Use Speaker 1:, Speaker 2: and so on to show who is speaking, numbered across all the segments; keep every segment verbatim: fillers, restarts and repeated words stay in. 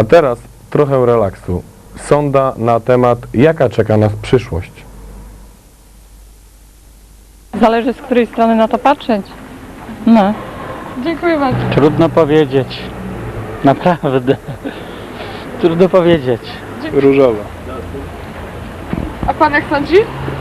Speaker 1: A teraz trochę relaksu. Sonda na temat, jaka czeka nas przyszłość.
Speaker 2: Zależy, z której strony na to patrzeć. No. Dziękuję bardzo.
Speaker 3: Trudno powiedzieć. Naprawdę. Trudno powiedzieć.
Speaker 1: Różowa.
Speaker 2: A pan jak sądzi?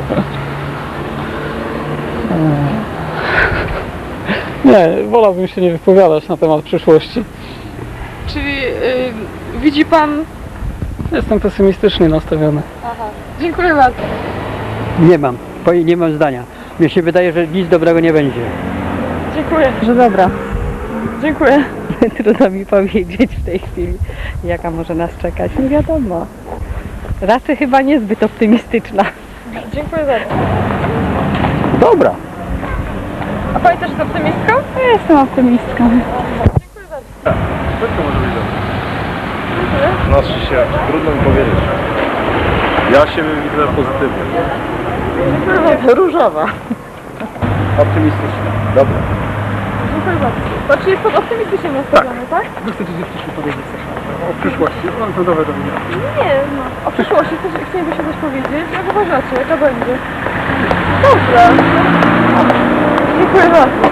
Speaker 3: Nie, wolałbym się nie wypowiadać na temat przyszłości.
Speaker 2: Czyli yy, widzi pan...
Speaker 3: Jestem pesymistycznie nastawiony.
Speaker 2: Aha. Dziękuję bardzo.
Speaker 4: Nie mam, bo nie mam zdania. Mnie się wydaje, że nic dobrego nie będzie.
Speaker 2: Dziękuję. Że dobra. Dziękuję.
Speaker 5: Trudno mi powiedzieć w tej chwili, jaka może nas czekać. Nie wiadomo. Raczej chyba niezbyt optymistyczna.
Speaker 2: Dziękuję bardzo.
Speaker 4: Dobra.
Speaker 2: A pani też jest optymistką?
Speaker 5: Ja jestem optymistką.
Speaker 2: Dziękuję bardzo.
Speaker 1: Wszystko może być dobrze. Znaczy się, trudno mi powiedzieć. Ja siebie widzę pozytywnie.
Speaker 2: Różowa.
Speaker 1: Optymistycznie. Dobra.
Speaker 2: Dziękuję bardzo. To czy jest pan optymistycznie nastawiony, tak?
Speaker 4: Wy chcecie coś wcześniej powiedzieć coś o przyszłości? Mam to nowe do mnie.
Speaker 2: Nie, no. O przyszłości też chcieliby się coś powiedzieć. Jak uważacie, jaka będzie? Dobrze. Dziękuję bardzo.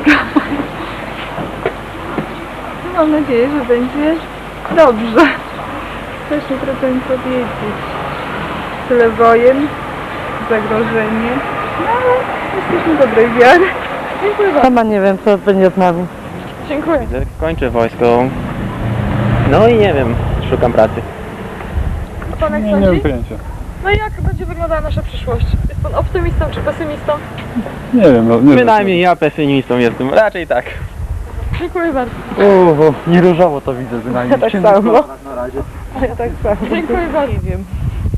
Speaker 2: Mam nadzieję, że będzie dobrze. Też nie trudno mi powiedzieć. Tyle wojen, zagrożenie. No ale jesteśmy dobrej wiary. Dziękuję bardzo.
Speaker 5: Sama nie wiem, co będzie z nami.
Speaker 2: Dziękuję.
Speaker 6: Kończę wojsko. No i nie wiem, szukam pracy.
Speaker 2: A pan jak
Speaker 1: Nie,
Speaker 2: sądzi?
Speaker 1: nie mam pojęcia.
Speaker 2: No i jak będzie wyglądała nasza przyszłość? Jest pan optymistą czy pesymistą?
Speaker 1: Nie wiem, no nie
Speaker 6: Przynajmniej ja pesymistą jestem, raczej tak.
Speaker 2: Dziękuję bardzo.
Speaker 4: Uuu, nie różowo to widzę bynajmniej.
Speaker 5: Ja tak samo. A ja tak samo.
Speaker 2: Dziękuję bardzo.
Speaker 5: Nie wiem.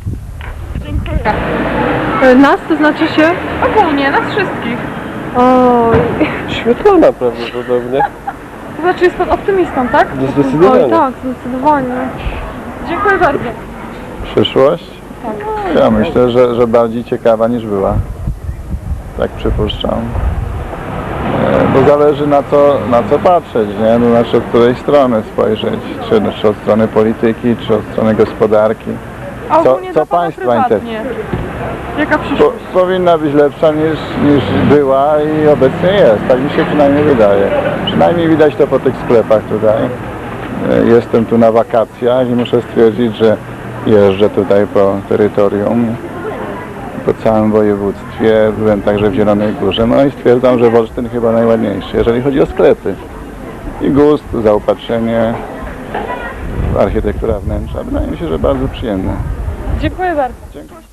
Speaker 2: Dziękuję. Nas to znaczy się? Ogólnie, nas wszystkich.
Speaker 5: Oj.
Speaker 1: Świetlana prawdopodobnie.
Speaker 2: To znaczy jest pan optymistą, tak?
Speaker 1: Zdecydowanie.
Speaker 2: Oj, tak, zdecydowanie. Dziękuję bardzo.
Speaker 7: Przyszłość? Ja myślę, że, że bardziej ciekawa niż była. Tak przypuszczam. E, Bo zależy na co, na co patrzeć, nie? No, znaczy od której strony spojrzeć. Czy, czy od strony polityki, czy od strony gospodarki.
Speaker 2: A
Speaker 7: Co-
Speaker 2: ogólnie
Speaker 7: co
Speaker 2: dla pana
Speaker 7: państwa
Speaker 2: prywatnie. Jaka
Speaker 7: Po,
Speaker 2: przyszłość?
Speaker 7: powinna być lepsza niż, niż była i obecnie jest. Tak mi się przynajmniej wydaje. Przynajmniej widać to po tych sklepach tutaj. E, Jestem tu na wakacjach i muszę stwierdzić, że jeżdżę tutaj po terytorium, po całym województwie, byłem także w Zielonej Górze, no i stwierdzam, że Wolsztyn chyba najładniejszy, jeżeli chodzi o sklepy. I gust, zaopatrzenie, architektura wnętrza, wydaje mi się, że bardzo przyjemne.
Speaker 2: Dziękuję bardzo.